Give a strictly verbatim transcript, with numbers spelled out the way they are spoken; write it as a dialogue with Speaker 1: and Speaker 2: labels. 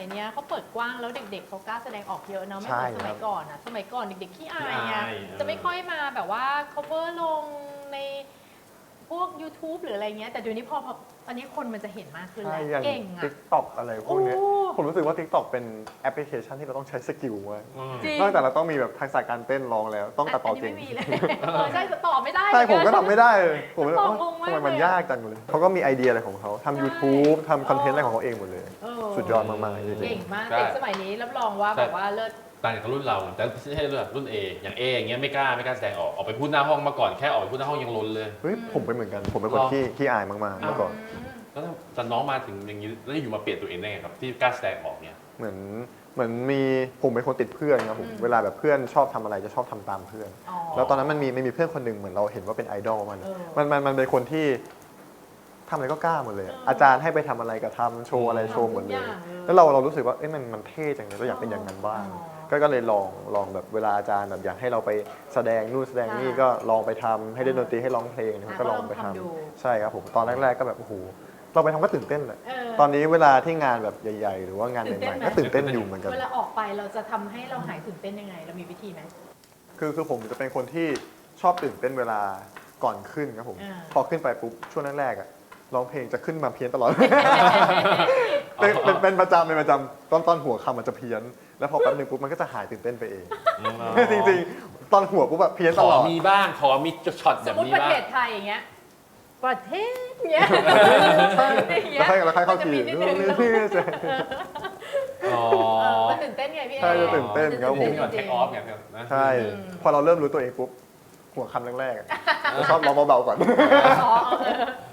Speaker 1: เนี้ยเขาเปิดกว้างแล้วเด็กๆเขากล้าแสดงออกเยอะเนาะไม่เหมือนสมัยก่อนอะสมัยก่อนเด็กๆขี้อายอะจะไม่ค่อยมาแบบว่า cover ลงในพวก YouTube หรืออะไรเงี้ยแต่เดี๋ยวนี้พอพออันนี้คนมันจะเห็นมากขึ้น
Speaker 2: ใช่
Speaker 1: แล้ว
Speaker 2: อย่าง
Speaker 1: เก่งอะ
Speaker 2: ติ๊กต็อกอะไรพวกเนี้ย
Speaker 1: โอ้
Speaker 2: ผมรู้สึกว่า ติ๊กต็อก เป็นแอปพลิเคชันที่เราต้องใช้สกิลมาก
Speaker 3: อืม
Speaker 1: จริง
Speaker 2: นอกจากเราต้องมีแบบทักษะการเต้นร้องแล้วต้องตัดต่อเก่ง
Speaker 1: นนี้ไม่มีเลยเออใช่ต่อไม่ได้
Speaker 2: ใช่ผมก็
Speaker 1: เหอนน
Speaker 2: ทำไม่ได้เลยผมเลย
Speaker 1: ตอบ
Speaker 2: เอ้าง
Speaker 1: งมาก
Speaker 2: ทำไมมัน
Speaker 1: เลยอะ
Speaker 2: ยากจังเลยเขาก็มีไอเดียอะไรของเขาทำ YouTube ทำคอนเทนต์อะไรของเขาเองหมดเลย
Speaker 1: เออ
Speaker 2: สุดยอดมากๆจริง
Speaker 1: เก่งมาก
Speaker 3: ใช่
Speaker 1: เด็กสมัยนี้รับรองว่าแบบว่าเลิศ
Speaker 3: ต่างจากรุ่นเราแต่ไม่ใช่รุ่นรุ่น A อย่าง A อย่างเงี้ยไม่กล้าไม่กล้าแสดงออกออกไปพูดหน้าห้องมาก่อนแค่ออกไปพูดหน้าห้องยังลนเลย
Speaker 2: ๆเฮ้ยผมเป็นเหมือนกัน ผมเป็นคน
Speaker 3: หรอ
Speaker 2: ที่ขี้อายมากๆเมื่อก่อน
Speaker 3: แล้วแต่น้องมาถึงอย่างนี้แล้วอยู่มาเปลี่ยนตัวเองได้ไงครับที่กล้าแสดงออกเนี่ย
Speaker 2: เหมือนเหมือนมีผมเป็นคนติดเพื่อนครับผม
Speaker 1: อืม
Speaker 2: เวลาแบบเพื่อนชอบทำอะไรจะชอบทำตามเพื่อน
Speaker 1: อ๋อ
Speaker 2: แล้วตอนนั้นมันมีมันมีเพื่อนคนหนึ่งเหมือนเราเห็นว่าเป็นไอดอลมัน
Speaker 1: เออ
Speaker 2: มันมันมันเป็นคนที่ทำอะไรก็กล้าหมดเลย
Speaker 1: เอออ
Speaker 2: อาจารย์ให้ไปทำอะไรก็ทำโชว์อะไรโชว์หมดเลย
Speaker 1: ทำทุกอย่างเลย
Speaker 2: แล้วเราเรารู้สึกว่าเอ้ยมันมันเท่จังเลยเราอยากเป็นอย่างนั้นบ้าง
Speaker 1: อ๋อ
Speaker 2: ก็ก็เลยลองลองแบบเวลาอาจารย์แบบอยากให้เราไปแสดงนู่นแสดงนี่
Speaker 1: ค่ะ
Speaker 2: ก็ลองไปทำให้เล่นดนตรีให้ร้องเพลงนะครับ
Speaker 1: อ่ะ
Speaker 2: ก็ลองไป
Speaker 1: ก็ลอง
Speaker 2: ทำ
Speaker 1: ทำดู
Speaker 2: ใช่ครับผมตอนแรกๆก็แบบโอ้โหเราไปทำก็ตื่นเต้นแหละ
Speaker 1: เออ
Speaker 2: ตอนนี้เวลาที่งานแบบใหญ่ๆ หรือว่างาน
Speaker 1: ตื่น
Speaker 2: ให
Speaker 1: เต้น
Speaker 2: ม่
Speaker 1: ไหม
Speaker 2: ๆก็ตื่นเต้นอยู่เหมือนกัน
Speaker 1: เวลาออกไปเราจะทำให้เราหายตื่นเต้นยังไง เรามีวิธีไหม
Speaker 2: คือคือผมจะเป็นคนที่ชอบตื่นเต้นเวลาก่อนขึ้นครับผม
Speaker 1: อ่า
Speaker 2: พอขึ้นไปปุ๊บช่วงแรกๆอะร้องเพลงจะขึ้นมาเพี้ยนตลอด เป็นเป็นเป็นประจำเป็นประจำตอนตอนหัวคำมันจะเพี้ยน แล้วพอแป๊บนึงปุ๊บมันก็จะหายตื่นเต้นไปเอง จริงๆ ตอนหัวปุ๊บแบบเพี้ยน
Speaker 3: ข
Speaker 2: ต
Speaker 3: อ
Speaker 2: ลอด
Speaker 3: มีบ้างขอมีช็อต
Speaker 1: ส
Speaker 3: แบ
Speaker 1: ม
Speaker 3: บ
Speaker 1: มติ
Speaker 3: นี้
Speaker 1: ประ
Speaker 3: บ้า
Speaker 1: เท
Speaker 3: ง
Speaker 1: ศไทยอย่างเงี้ย ประเทศเงี้ย
Speaker 2: แล้วค่อยแล้วค่อยเข้า
Speaker 1: มันจะ
Speaker 2: ที
Speaker 1: มีนิดนึง
Speaker 3: อ๋อ
Speaker 1: เออมันตื่นเต้นไงพี่เอ
Speaker 2: ใช่จะตื่นเต้นครับผม
Speaker 3: นี่ก่อนเทคออฟเนี่ยนะ
Speaker 2: ใช่ พอเราเริ่มรู้ตัวเองปุ๊บหัวคำแรกๆอะจะชอบร้องเบาๆก่อน
Speaker 1: อ๋อเออ